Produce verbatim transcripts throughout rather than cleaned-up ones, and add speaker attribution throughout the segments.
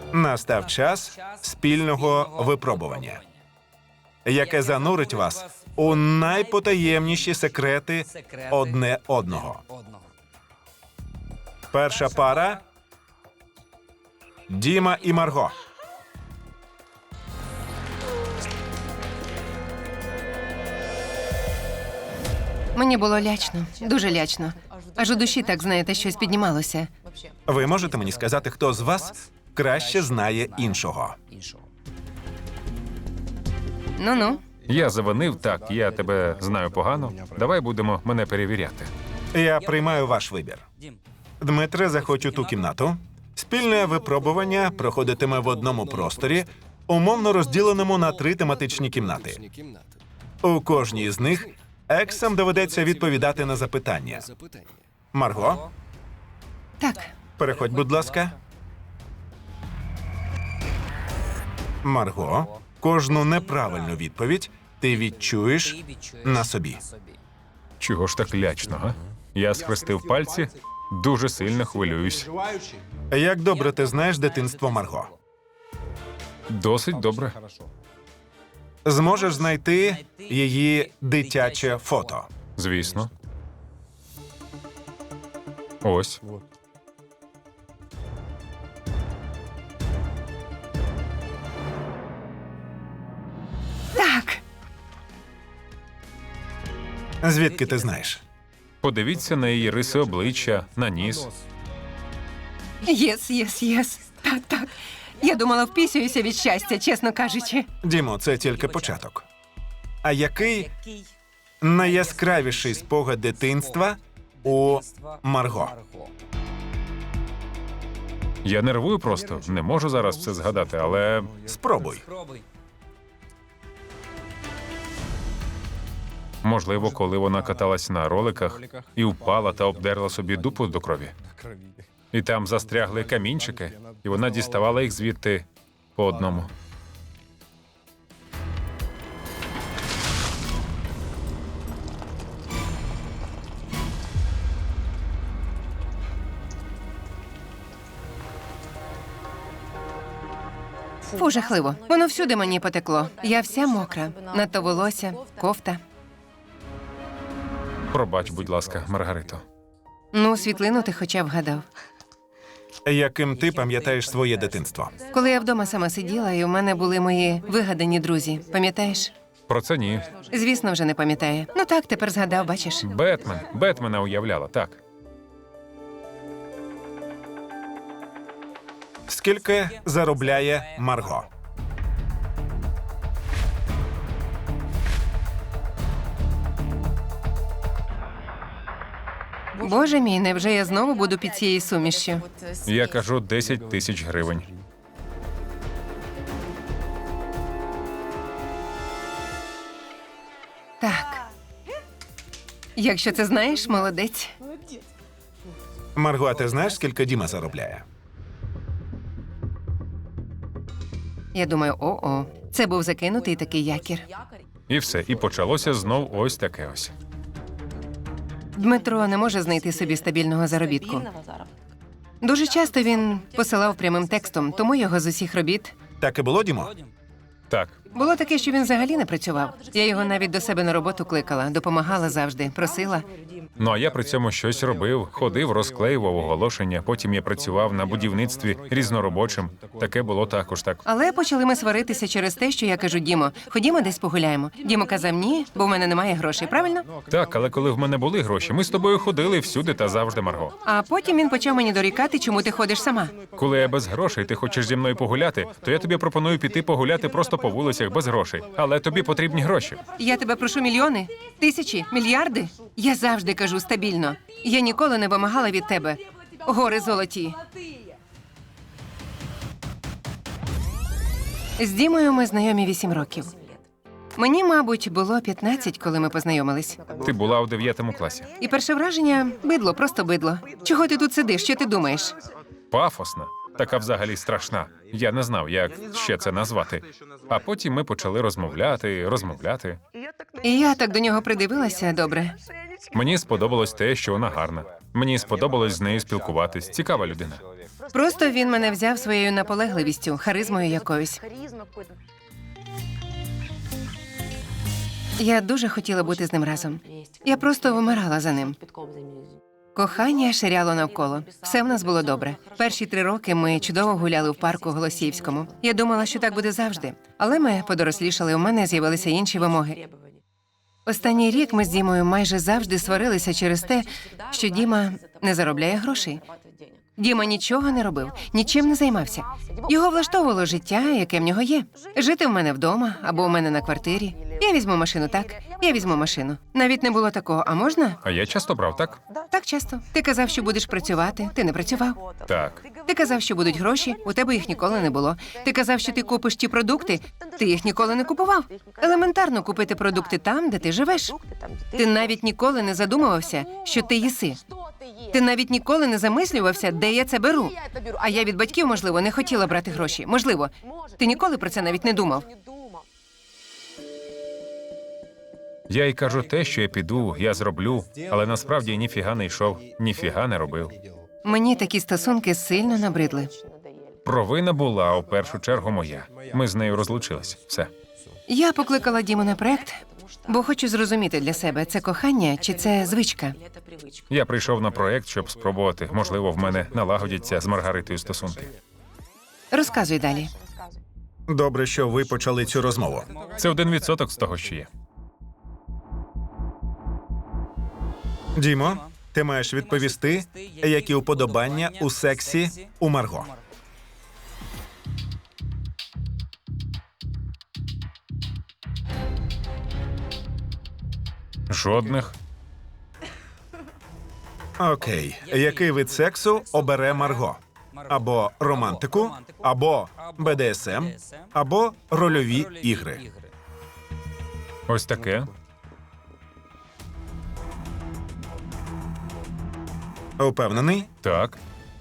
Speaker 1: Настав час спільного випробування, яке занурить вас у найпотаємніші секрети одне одного. Перша пара – Діма і Марго.
Speaker 2: Мені було лячно, дуже лячно. Аж у душі, так знаєте, щось піднімалося.
Speaker 1: Ви можете мені сказати, хто з вас краще знає іншого?
Speaker 2: Ну-ну.
Speaker 3: Я завинив, так, я тебе знаю погано. Давай будемо мене перевіряти.
Speaker 1: Я приймаю ваш вибір. Дмитре, заходь у ту кімнату. Спільне випробування проходитиме в одному просторі, умовно розділеному на три тематичні кімнати. У кожній з них ексам доведеться відповідати на запитання. Марго,
Speaker 2: Так,
Speaker 1: переходь, будь ласка. Марго, кожну неправильну відповідь ти відчуєш на собі.
Speaker 3: Чого ж так лячно, га? Я схрестив пальці, дуже сильно хвилююсь.
Speaker 1: Як добре ти знаєш дитинство Марго?
Speaker 3: Досить добре.
Speaker 1: Зможеш знайти її дитяче фото.
Speaker 3: Звісно. Ось.
Speaker 2: так.
Speaker 1: Звідки ти знаєш?
Speaker 3: Подивіться на її риси обличчя, на ніс.
Speaker 2: Єс, єс, єс. Так, так. Я думала, впісююся від щастя, чесно кажучи.
Speaker 1: Дімо, це тільки початок. А який найяскравіший спогад дитинства у Марго?
Speaker 3: Я нервую просто, не можу зараз все згадати, але
Speaker 1: Спробуй.
Speaker 3: можливо, коли вона каталась на роликах і впала та обдерла собі дупу до крові. І там застрягли камінчики, і вона діставала їх звідти по одному.
Speaker 2: Фу, жахливо. Воно всюди мені потекло. Я вся мокра. Надто волосся, кофта.
Speaker 3: Пробач, будь ласка, Маргарито.
Speaker 2: Ну, світлину ти хоча б вгадав.
Speaker 1: Яким ти пам'ятаєш своє дитинство?
Speaker 2: Коли я вдома сама сиділа, і у мене були мої вигадані друзі. Пам'ятаєш?
Speaker 3: Про це ні.
Speaker 2: Звісно, вже не пам'ятає. Ну так, тепер згадав, бачиш.
Speaker 3: Бетмен. Бетмена уявляла, так.
Speaker 1: Скільки заробляє Марго?
Speaker 2: Боже мій, невже я знову буду під цією сумішшю?
Speaker 3: Я кажу десять тисяч гривень.
Speaker 2: Так. Якщо це знаєш, молодець.
Speaker 1: Марго, а ти знаєш, скільки Діма заробляє?
Speaker 2: Я думаю, о-о. Це був закинутий такий якір.
Speaker 3: І все, і почалося знов ось таке ось.
Speaker 2: Дмитро не може знайти собі стабільного заробітку. Дуже часто він посилав прямим текстом, тому його з усіх робіт.
Speaker 1: Так і було, Дімо?
Speaker 3: Так,
Speaker 2: Було таке, що він взагалі не працював. Я його навіть до себе на роботу кликала, допомагала завжди, просила.
Speaker 3: ну а я при цьому щось робив, ходив, розклеював оголошення, потім я працював на будівництві різноробочим. Таке було також так.
Speaker 2: Але почали ми сваритися через те, що я кажу: Дімо, ходімо десь погуляємо. Дімо казав: ні, бо в мене немає грошей, правильно?
Speaker 3: Так, але коли в мене були гроші, ми з тобою ходили всюди та завжди, Марго.
Speaker 2: А потім він почав мені дорікати, чому ти ходиш сама.
Speaker 3: Коли я без грошей, ти хочеш зі мною погуляти, то я тобі пропоную піти погуляти просто по вулицях без грошей. Але тобі потрібні гроші.
Speaker 2: Я тебе прошу мільйони, тисячі, мільярди. Я завжди кажу стабільно. Я ніколи не вимагала від тебе. Гори золоті. З Дімою ми знайомі вісім років. Мені, мабуть, було п'ятнадцять, коли ми познайомились.
Speaker 3: Ти була у дев'ятому класі.
Speaker 2: І перше враження – бидло, просто бидло. Чого ти тут сидиш? Що ти думаєш?
Speaker 3: Пафосна. Така взагалі страшна. Я не знав, як ще це назвати. А потім ми почали розмовляти, розмовляти.
Speaker 2: І я так до нього придивилася добре.
Speaker 3: Мені сподобалось те, що вона гарна. Мені сподобалось з нею спілкуватись. Цікава людина.
Speaker 2: Просто він мене взяв своєю наполегливістю, харизмою якоюсь. Я дуже хотіла бути з ним разом. Я просто вмирала за ним. Кохання ширяло навколо. Все в нас було добре. Перші три роки ми чудово гуляли в парку Голосіївському. Я думала, що так буде завжди. Але ми подорослішали, у мене з'явилися інші вимоги. Останній рік ми з Дімою майже завжди сварилися через те, що Діма не заробляє грошей. Діма нічого не робив, нічим не займався. Його влаштовувало життя, яке в нього є. Жити в мене вдома або у мене на квартирі. Я візьму машину, так? Я візьму машину. Навіть не було такого, а можна?
Speaker 3: А я часто брав, так?
Speaker 2: Так часто. Ти казав, що будеш працювати, ти не працював.
Speaker 3: Так.
Speaker 2: Ти казав, що будуть гроші, у тебе їх ніколи не було. Ти казав, що ти купиш ті продукти, ти їх ніколи не купував. Елементарно купити продукти там, де ти живеш. Ти навіть ніколи не задумувався, що ти їси. Ти навіть ніколи не замислювався, де я це беру. А я від батьків, можливо, не хотіла брати гроші. Можливо. Ти ніколи про це навіть не думав.
Speaker 3: Я й кажу те, що я піду, я зроблю, але насправді ніфіга не йшов, ніфіга не робив.
Speaker 2: Мені такі стосунки сильно набридли.
Speaker 3: Провина була у першу чергу моя. Ми з нею розлучились. Все.
Speaker 2: Я покликала Діму на проект, бо хочу зрозуміти для себе, це кохання чи це звичка.
Speaker 3: Я прийшов на проект, щоб спробувати. Можливо, в мене налагодяться з Маргаритою стосунки.
Speaker 2: Розказуй далі.
Speaker 1: Добре, що ви почали цю розмову.
Speaker 3: Це один відсоток з того, що є.
Speaker 1: Дімо, ти маєш відповісти, які уподобання у сексі у Марго.
Speaker 3: Жодних.
Speaker 1: Окей. Який вид сексу обере Марго? Або романтику, або Б Д С М, або рольові ігри.
Speaker 3: Ось таке.
Speaker 1: Упевнений?
Speaker 3: Так.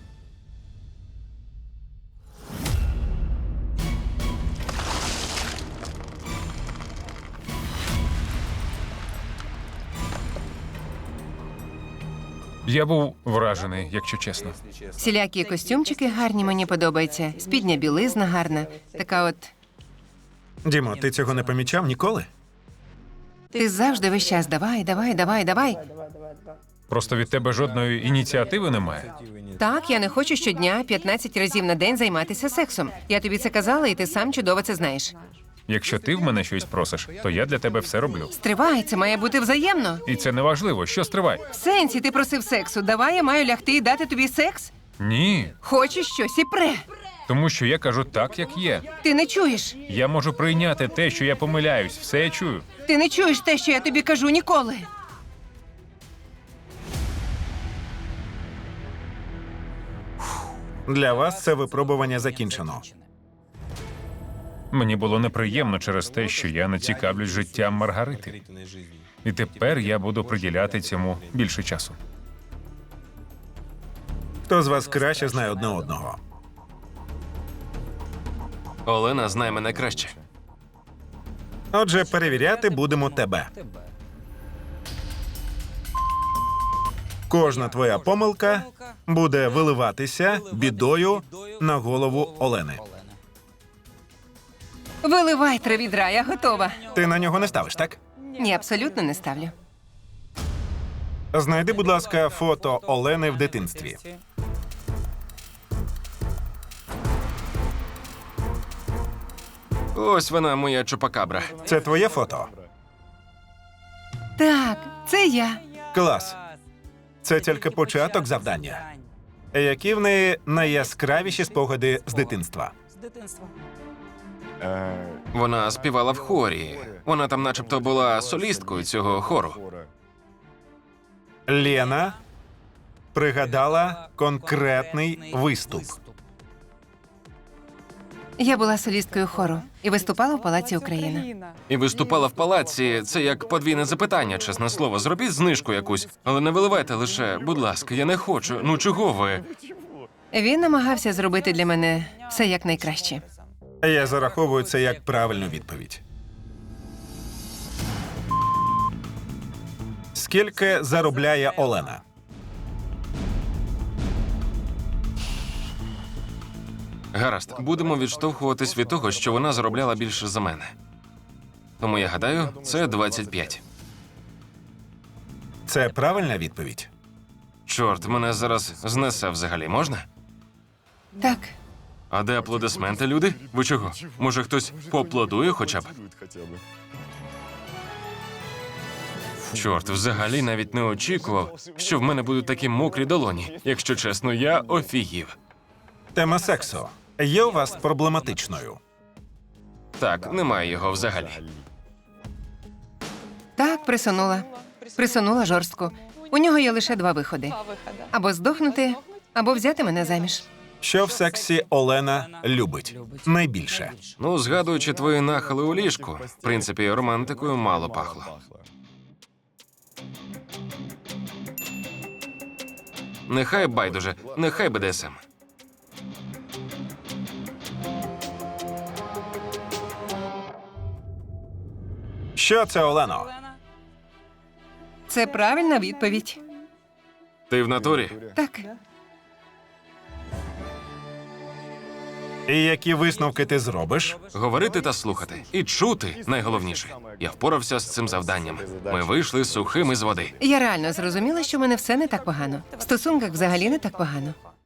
Speaker 3: Я був вражений, якщо чесно.
Speaker 2: Всілякі костюмчики гарні, мені подобаються. Спідня білизна гарна. Така от.
Speaker 1: Дімо, ти цього не помічав ніколи?
Speaker 2: Ти завжди весь час давай, давай, давай, давай.
Speaker 3: Просто від тебе жодної ініціативи немає.
Speaker 2: Так, я не хочу щодня п'ятнадцять разів на день займатися сексом. Я тобі це казала, і ти сам чудово це знаєш.
Speaker 3: Якщо ти в мене щось просиш, то я для тебе все роблю.
Speaker 2: Стривай, це має бути взаємно.
Speaker 3: І це не важливо. Що стривай?
Speaker 2: В сенсі ти просив сексу. Давай я маю лягти і дати тобі секс?
Speaker 3: Ні.
Speaker 2: Хочеш щось і пре.
Speaker 3: Тому що я кажу так, як є.
Speaker 2: Ти не чуєш.
Speaker 3: Я можу прийняти те, що я помиляюсь. Все я чую.
Speaker 2: Ти не чуєш те, що я тобі кажу ніколи.
Speaker 1: Для вас це випробування закінчено.
Speaker 3: Мені було неприємно через те, що я не цікавлюсь життям Маргарити. І тепер я буду приділяти цьому більше часу.
Speaker 1: Хто з вас краще знає одне одного?
Speaker 4: Олена знає мене краще.
Speaker 1: Отже, перевіряти будемо тебе. Кожна твоя помилка буде виливатися бідою на голову Олени.
Speaker 2: Виливай три відра, я готова.
Speaker 1: Ти на нього не ставиш, так?
Speaker 2: Ні, абсолютно не ставлю.
Speaker 1: Знайди, будь ласка, фото Олени в дитинстві.
Speaker 4: Ось вона, моя чупакабра.
Speaker 1: Це твоє фото?
Speaker 2: Так, це я.
Speaker 1: Клас. Це тільки початок завдання. Які в неї найяскравіші спогади з дитинства?
Speaker 4: Вона співала в хорі. Вона там начебто була солісткою цього хору.
Speaker 1: Лена пригадала конкретний виступ.
Speaker 2: Я була солісткою хору і виступала в Палаці Україна.
Speaker 4: І виступала в палаці. Це як подвійне запитання, чесне слово. Зробіть знижку якусь, але не виливайте лише, будь ласка, я не хочу. Ну чого ви?
Speaker 2: Він намагався зробити для мене все якнайкраще.
Speaker 1: Я зараховую це як правильну відповідь. Скільки заробляє Олена?
Speaker 4: Гаразд, будемо відштовхуватись від того, що вона заробляла більше за мене. Тому я гадаю, це двадцять п'ять.
Speaker 1: Це правильна відповідь.
Speaker 4: Чорт, мене зараз знесе взагалі, можна?
Speaker 2: Так,
Speaker 4: А де аплодисменти, люди? Ви чого? Може, хтось поаплодує хоча б? Чорт, взагалі навіть не очікував, що в мене будуть такі мокрі долоні. Якщо чесно, я офігів.
Speaker 1: Тема сексу є у вас проблематичною.
Speaker 4: Так, немає його взагалі.
Speaker 2: так, присунула. Присунула жорстко. У нього є лише два виходи: або здохнути, або взяти мене заміж.
Speaker 1: Що в сексі Олена любить найбільше?
Speaker 4: Ну, згадуючи твої нахили у ліжку, в принципі, романтикою мало пахло. Нехай байдуже, нехай Б Д С М.
Speaker 1: Що це, Олено?
Speaker 2: Це правильна відповідь.
Speaker 4: Ти в натурі?
Speaker 2: Так,
Speaker 1: І які висновки ти зробиш?
Speaker 4: Говорити та слухати. І чути найголовніше. Я впорався з цим завданням. Ми вийшли сухими з води.
Speaker 2: я реально зрозуміла, що в мене все не так погано. В стосунках взагалі не так погано.